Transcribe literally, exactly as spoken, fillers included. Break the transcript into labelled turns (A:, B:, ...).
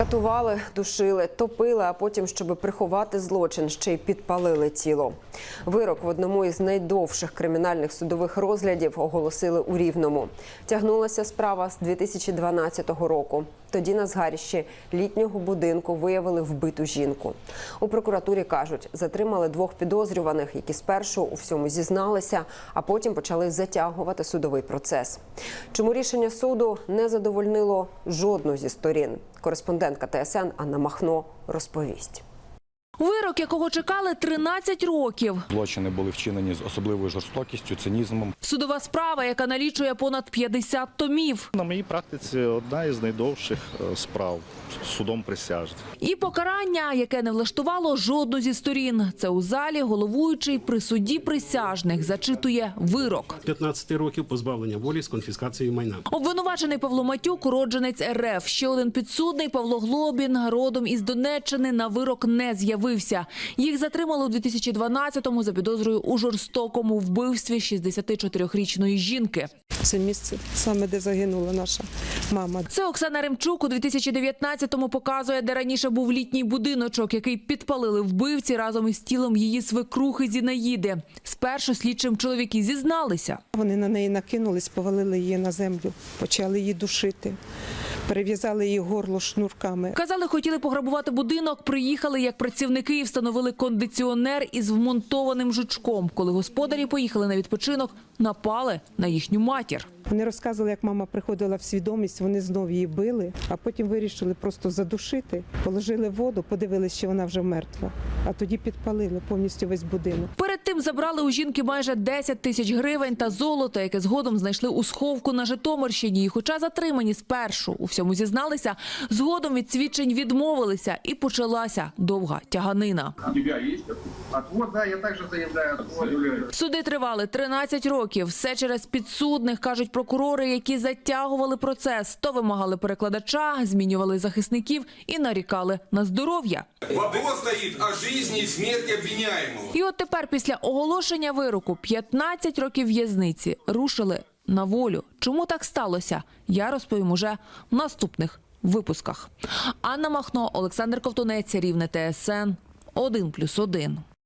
A: Катували, душили, топили, а потім, щоб приховати злочин, ще й підпалили тіло. Вирок в одному із найдовших кримінальних судових розглядів оголосили у Рівному. Тягнулася справа з дві тисячі дванадцятого року. Тоді на згарищі літнього будинку виявили вбиту жінку. У прокуратурі кажуть, затримали двох підозрюваних, які спершу у всьому зізналися, а потім почали затягувати судовий процес. Чому рішення суду не задовольнило жодну зі сторін? Кореспондентка Т С Н Анна Махно розповість.
B: Вирок, якого чекали тринадцять років.
C: Злочини були вчинені з особливою жорстокістю, цинізмом.
B: Судова справа, яка налічує понад п'ятдесят томів.
D: На моїй практиці одна із найдовших справ судом присяжних.
B: І покарання, яке не влаштувало жодну зі сторін. Це у залі головуючий при суді присяжних зачитує вирок.
E: п'ятнадцять років позбавлення волі з конфіскацією майна.
B: Обвинувачений Павло Матюк – уродженець Ер Еф. Ще один підсудний Павло Глобін, родом із Донеччини, на вирок не з'явився. Їх затримали у дві тисячі дванадцятому за підозрою у жорстокому вбивстві шістдесятичотирирічної жінки.
F: Це місце саме, де загинула наша мама.
B: Це Оксана Ремчук у дві тисячі дев'ятнадцятому показує, де раніше був літній будиночок, який підпалили вбивці разом із тілом її свекрухи Зінаїди. Спершу слідчим чоловіки зізналися.
F: Вони на неї накинулись, повалили її на землю, почали її душити. Перев'язали її горло шнурками.
B: Казали, хотіли пограбувати будинок, приїхали як працівники і встановили кондиціонер із вмонтованим жучком. Коли господарі поїхали на відпочинок, напали на їхню матір.
F: Вони розказували, як мама приходила в свідомість, вони знов її били, а потім вирішили просто задушити. Положили воду, подивилися, що вона вже мертва, а тоді підпалили повністю весь будинок.
B: Перед тим забрали у жінки майже десять тисяч гривень та золото, яке згодом знайшли у сховку на Житомирщині. І хоча затримані спершу у всьому зізналися, згодом від свідчень відмовилися і почалася довга тяганина.
G: У тебе є отвод? Да, я також заявляю.
B: Суди тривали тринадцять років. Все через підсудних, кажуть прокурори, які затягували процес. То вимагали перекладача, змінювали захисників і нарікали на здоров'я.
H: Вопрос стоїть о житті і смерті обвиняємого.
B: І от тепер після оголошення вироку п'ятнадцять років в'язниці рушили на волю. Чому так сталося? Я розповім уже в наступних випусках. Анна Махно, Олександр Ковтунець, Рівне, Т С Н, один плюс один.